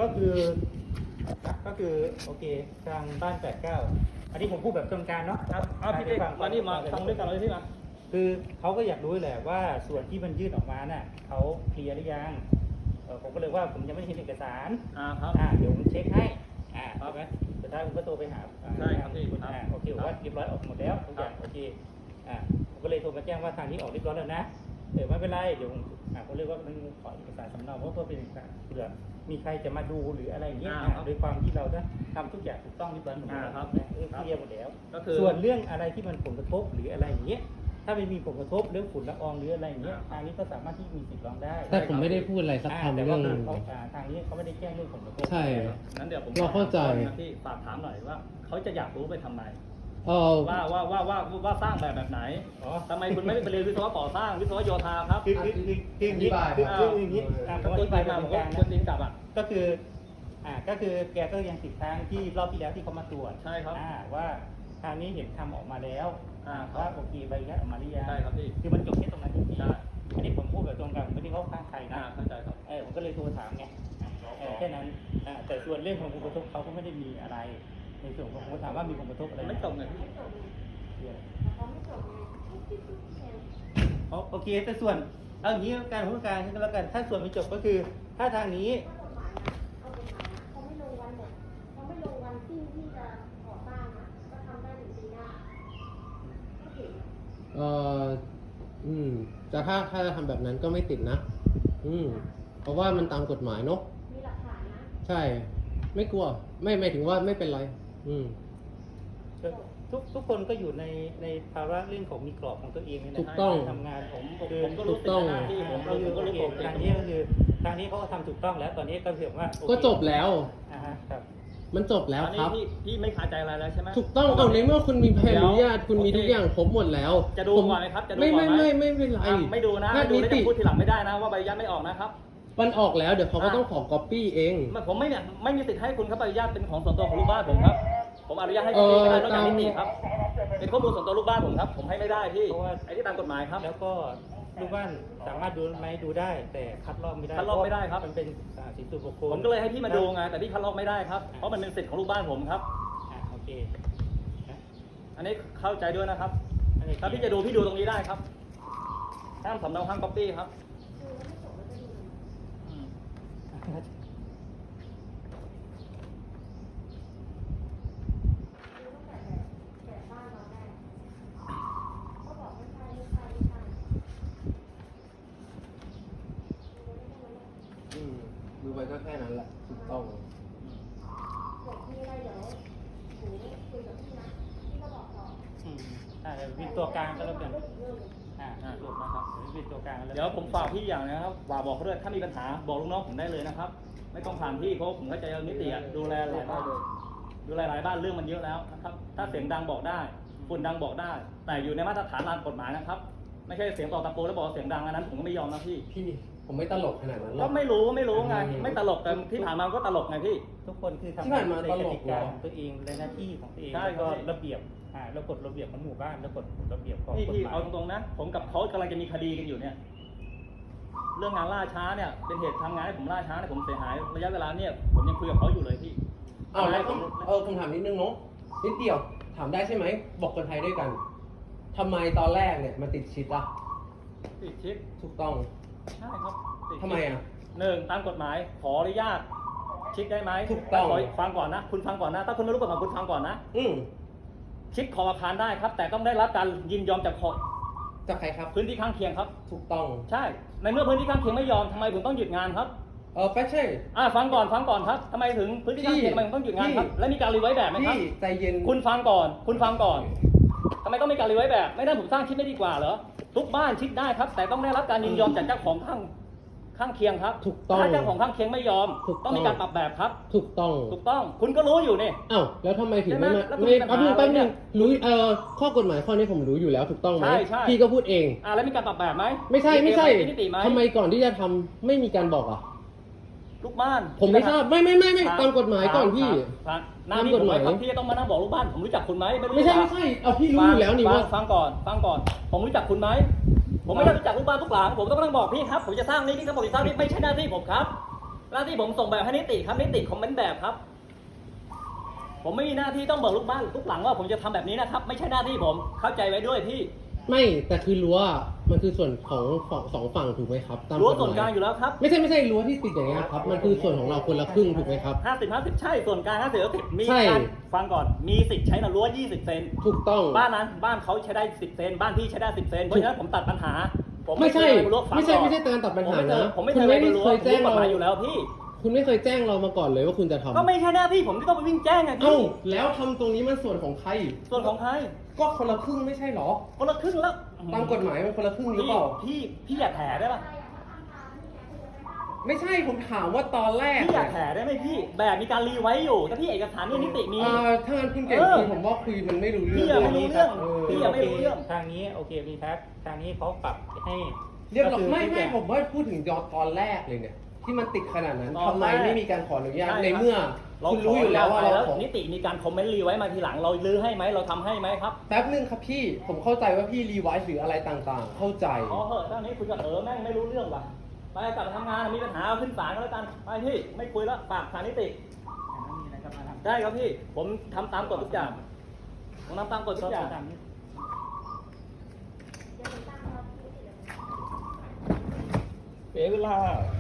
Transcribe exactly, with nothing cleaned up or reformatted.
ก็คือก็คือโอเคทางบ้านแปดเก้าอันนี้ผมพูดแบบตรงกลางเนาะครับเอาพี่เต้มานี่มาฟังด้วยกันเลยพี่มาคือเขาก็อยากรู้แหละว่าส่วนที่มันยื่นออกมาน่ะเขาเคลียร์หรือยังเออผมก็เลยว่าผมยังไม่ได้เห็นเอกสารอ่าครับอ่าเดี๋ยวผมเช็คให้อ่าใช่ไหมสุดท้ายผมก็โทรไปหาใช่ครับพี่อ่าโอเคว่าเรียบร้อยออกหมดแล้วทุกอย่างโอเคอ่าผมก็เลยโทรมาแจ้งว่าทางนี้ออกเรียบร้อยแล้วนะเออไม่เป็นไรเดี๋ยวผมอ่าผมเรียกว่ามันขอเอกสารสำเนาเพราะเพื่อเป็นเอกสารเผื่อมีใครจะมาดูหรืออะไรอย่างเงี้ยโดยความที่เราจะทำทุกอย่างถูกต้องเรียบร้อยหมดแล้วครับเออเคลียร์หมดแล้วก็คือส่วนเรื่องอะไรที่มันผลกระทบหรืออะไรอย่างเงี้ยถ้าไม่มีผลกระทบเรื่องฝุ่นละอองหรืออะไรอย่างเงี้ยทางนี้ก็สามารถที่มีสิทธิ์ร้องได้แต่ผมไม่ได้พูดอะไรสักคำเรื่องนึงทางนี้เขาไม่ได้แจ้งเรื่องผลกระทบใช่งั้นเดี๋ยวผมเราเข้าใจที่ฝากถามหน่อยว่าเขาจะอยากรู้ไปทำไมเออว่าว่าว่าว่าว่าสร้างแบบแบบไหนอ๋อทำไมคุณไม่ได้ไปเรียนวิศวะก่อสร้างวิศวะโยธาครับคือคือคือคืออย่างนี้คืออย่างนี้ผมอธิบายมาผมก็ควรตีนกลับอ่ะก็คืออ่าก็คือแกก็ยังติดทางที่รอบที่แล้วที่เขามาตรวจใช่ครับอ่าว่าทางนี้เห็นทำออกมาแล้วอ่าว่าโอเคใบอนุญาตออกมาหรือยังใช่ครับพี่คือมันจบแค่ตรงนั้นจริงๆอันนี้ผมพูดแบบตรงกันไม่ได้เข้าข้างใครนะเข้าใจครับเออผมก็เลยโทรถามไงแค่นั้นอ่าแต่ส่วนเรื่องของผลกระทบเขาก็ไม่ได้มีอะไรในส่วนของผมถามว่ามีผลกระทบอะไรไม่ตรงเลยโอเคแต่ส่วนเอาอย่างนี้การพูดการก็แล้วกันถ้าส่วนไม่จบก็คือถ้าทางนี้เขาไม่ลงวันแบบเขาไม่ลงวันที่ที่จะก่อสร้างอ่ะก็ทำได้ถึงปีหน้าเอ่ออืมแต่ถ้าถ้าจะทำแบบนั้นก็ไม่ติดนะอืมเพราะว่ามันตามกฎหมายเนาะมีหลักฐานนะใช่ไม่กลัวไม่หมายถึงว่าไม่เป็นไรอืมทุกทุกคนก็อยู่ในในภาระเรื่องของมีกรอบของตัวเองในการทำงานผมผมก็รู้ต้องที่ผมก็รู้ก็รู้ผมทางนี้ก็คือทางนี้เขาก็ทำถูกต้องแล้วตอนนี้ก็เห็นว่าก็จบแล้วอ่าฮะครับมันจบแล้วครับพี่พี่ไม่คาใจอะไรแล้วใช่ไหมถูกต้องเอาในเมื่อคุณมีใบอนุญาตคุณมีทุกอย่างครบหมดแล้วจะดูก่อนไหมครับจะดูก่อนไหมไม่ไม่ไม่ไม่เป็นไรไม่ดูนะไม่ดูแล้วจะพูดทีหลังไม่ได้นะว่าใบอนุญาตไม่ออกนะครับมันออกแล้วเดี๋ยวเขาก็ต้องขอก๊อปปี้เองผมไม่เนี่ยไม่มีสิทธิ์ให้คุณครับใบอนุญาตเป็นของส่วนตัวของลูกบ้านผมครับผมอนุญาตให้พี่ไม่ได้นอกจากนิติครับเป็นข้อมูลส่วนตัวลูกบ้านผมครับผมให้ไม่ได้พี่เพราะว่าไอ้ที่ตามกฎหมายครับแล้วก็ลูกบ้านสามารถดูไหมดูได้แต่คัดลอกไม่ได้คัดลอกไม่ได้ครับมันเป็นสิทธิส่วนบุคคลผมก็เลยให้พี่มาดูไงแต่พี่คัดลอกไม่ได้ครับเพราะมันเป็นสิทธิ์ของลูกบ้านผมครับอ่าโอเคอันนี้เข้าใจด้วยนะครับถ้าพี่จะดูพี่ดูตรงนี้ได้ครับห้ามสำเนาห้ามก๊อปปี้ครับดูไปก็แค่นั้นแหละถูกต้องมีอะไรเดี๋ยวหนูคุยกับพี่นะพี่ก็บอกต่ออืมอ่าวินตัวกลางก็แล้วกันอ่าจบนะครับวินตัวกลางแล้วเดี๋ยวผมฝากพี่อย่างนะครับฝากบอกเขาด้วยถ้ามีปัญหาบอกลูกน้องผมได้เลยนะครับไม่ต้องผ่านพี่เพราะผมเข้าใจนิติอ่ะดูแลหลายบ้านดูแลหลายบ้านเรื่องมันเยอะแล้วนะครับถ้าเสียงดังบอกได้ฝุ่นดังบอกได้แต่อยู่ในมาตรฐานตามกฎหมายนะครับไม่ใช่เสียงต่อตะโกนแล้วบอกเสียงดังอันนั้นผมก็ไม่ยอมนะพี่พี่ผมไม่ตลกขนาดนั้นหรอกก็ไม่รู้ไม่รู้ไงไม่ตลกแต่ที่ผ่านมาก็ตลกไงพี่ทุกคนคือทำในกติกาของตัวเองในหน้าที่ของตัวเองแล้วก็ระเบียบอ่าแล้วกฎระเบียบของหมู่บ้านแล้วกฎระเบียบของกฎหมายพี่เอาตรงๆนะผมกับเขากำลังจะมีคดีกันอยู่เนี่ยเรื่องงานล่าช้าเนี่ยเป็นเหตุทำงานให้ผมล่าช้าเนี่ยผมเสียหายระยะเวลาเนี่ยผมยังคุยกับเขาอยู่เลยพี่เอาแล้วเออคำถามนิดนึงเนาะนิดเดียวถามได้ใช่ไหมบอกคนไทยด้วยกันทำไมตอนแรกเนี่ยมาติดชิดล่ะติดชิดถูกต้องใช่ครับทำไมอ่ะหนึ่งตามกฎหมายขออนุญาตชิดได้ไหมถูกต้องฟังก่อนนะคุณฟังก่อนนะถ้าคุณไม่รู้กฎหมายคุณฟังก่อนนะอืมชิดขอบอาคารได้ครับแต่ต้องได้รับการยินยอมจากขอจากใครครับพื้นที่ข้างเคียงครับถูกต้องใช่ในเมื่อพื้นที่ข้างเคียงไม่ยอมทำไมผมต้องหยุดงานครับเออไม่ใช่อ่าฟังก่อนฟังก่อนครับทำไมถึงพื้นที่ข้างเคียงทำไมต้องหยุดงานครับและมีการรีไว้แบบไหมครับใจเย็นคุณฟังก่อนคุณฟังก่อนทำไมต้องมีการรีไว้แบบไม่ได้ผมสร้างชิดไม่ดีกว่าเหรอทุกบ้านชิดได้ครับแต่ต้องได้รับการยินยอมจากเจ้าของข้างข้างเคียงครับถูกต้องถ้าเจ้าของข้างเคียงไม่ยอมต้องมีการปรับแบบครับถูกต้องถูกต้องคุณก็รู้อยู่นี่อ้าวแล้วทำไมถึงไม่มาไม่แป๊บนึงแป๊บนึงรู้เอ่อข้อกฎหมายข้อนี้ผมรู้อยู่แล้วถูกต้องไหมใช่ใช่พี่ก็พูดเองอ่าแล้วมีการปรับแบบไหมไม่ใช่ไม่ใช่ทำไมก่อนที่จะทำไม่มีการบอกอ่ะลูกบ้านผมไม่ทราบไม่ไม่ไม่ไม่ตามกฎหมายก่อนพี่ตามกฎหมายพี่ต้องมานั่งบอกลูกบ้านผมรู้จักคุณไหมไม่ใช่ไม่ใช่เอาพี่รู้อยู่แล้วนี่ว่าฟังก่อนฟังก่อนผมรู้จักคุณไหมผมไม่ได้รู้จักลูกบ้านทุกหลังผมต้องมานั่งบอกพี่ครับผมจะสร้างนี้พี่ก็บอกจะสร้างนี้ไม่ใช่หน้าที่ผมครับหน้าที่ผมส่งแบบให้นิติครับนิติคอมเมนต์แบบครับ ผมไม่มีหน้าที่ต้องบอกลูกบ้านทุกหลังว่าผมจะทำแบบนี้นะครับ ไม่ใช่หน้าที่ผมเข้าใจไว้ด้วยพี่ไม่แต่คือรั้วมันคือส่วนของฝั่งสองฝั่งถูกไหมครับตามรั้วกฎหมยส่วนกลางอยู่แล้วครับไม่ใช่ไม่ใช่รั้วที่ติดอย่างเงี้ยครับมันคือส่วนของเราคนละครึ่งถูกไหมครับห้าสิบ ห้าสิบใช่ส่วนกลางห้าสิบ ห้าสิบมีใช่การฟังก่อนมีสิทธิ์ใช้นะรั้วยี่สิบเซนถูกต้องบ้านนั้นบ้านเขาใช้ได้สิบเซนบ้านพี่ใช้ได้สิบเซนเพราะฉะนั้นผมตัดปัญหาผมไม่ใช่เคยรั้วฟังไม่ใช่ก่อนไม่ใช่การตัดปัญหานะผมไม่คุเคณยไม่ไปได้รั้วเคยแจ้งรู้กฎเราหมายอยู่แล้วพี่คุณไม่เคยแจ้งเรามาก่อนเลยว่าคุณจะทำก็ไม่ใช่หน้าที่ผมที่ต้องไปวิ่งแจ้งไงเอ้าพี่แล้วทำตรงนี้มันส่วนของใครส่วนของใครก็คนละครึ่งไม่ใช่เหรอคนละครึ่งแล้วตามกฎหมายมันคนละครึ่งหรือพี่เปล่าพี่พี่อย่าแถได้ป่ะไม่ใช่ผมถามว่าตอนแรกพี่อเนี่ย่าย แถได้ไหมพี่แบบมีการรีไว้อยู่ถ้าพี่เอกสารนี่นิติมีเอ่อถ้างั้นคุณเก่งเออคุยผมว่าคุยมันไม่รู้เรื่พี่องอะไม่รู้เรื่องเออพี่อะไม่รู้เรื่องทางนี้โอเคมีครับทางนี้เขาปรับให้เรียบร้อยก็คือไม่ทุกอไม่ย่างผมว่าพูดถึงยอดตอนแรกเลยเนี่ยที่มันติดขนาดนั้นตอนทำไมแรกไม่มีการขออนุญาตใช่ครับในเมื่อเราคุณรู้อยู่แล้วว่าเราแล้วขอนิติมีการคอมเมนต์รีไว้มาทีหลังเราลื้อให้ไหมเราทำให้ไหมครับแป๊บนึงครับพี่ผมเข้าใจว่าพี่รีไวซ์หรืออะไรต่างๆ เข้าใจพอเหอะตอนนี้คุยกับเออแม่งไม่รู้เรื่องว่ะไปกลับไปทำงานมีปัญหาเอาขึ้นศาลก็แล้วกันไปพี่ไม่คุยแล้วฝากศาลนิติมีอะไรก็มาทำได้ครับพี่ผมทำตามกฎทุกอย่างผมทำตามกฎทุกอย่างตามนี้เดี๋ยวผมตั้งรอที่นี่เดี๋ยวเสียเวลา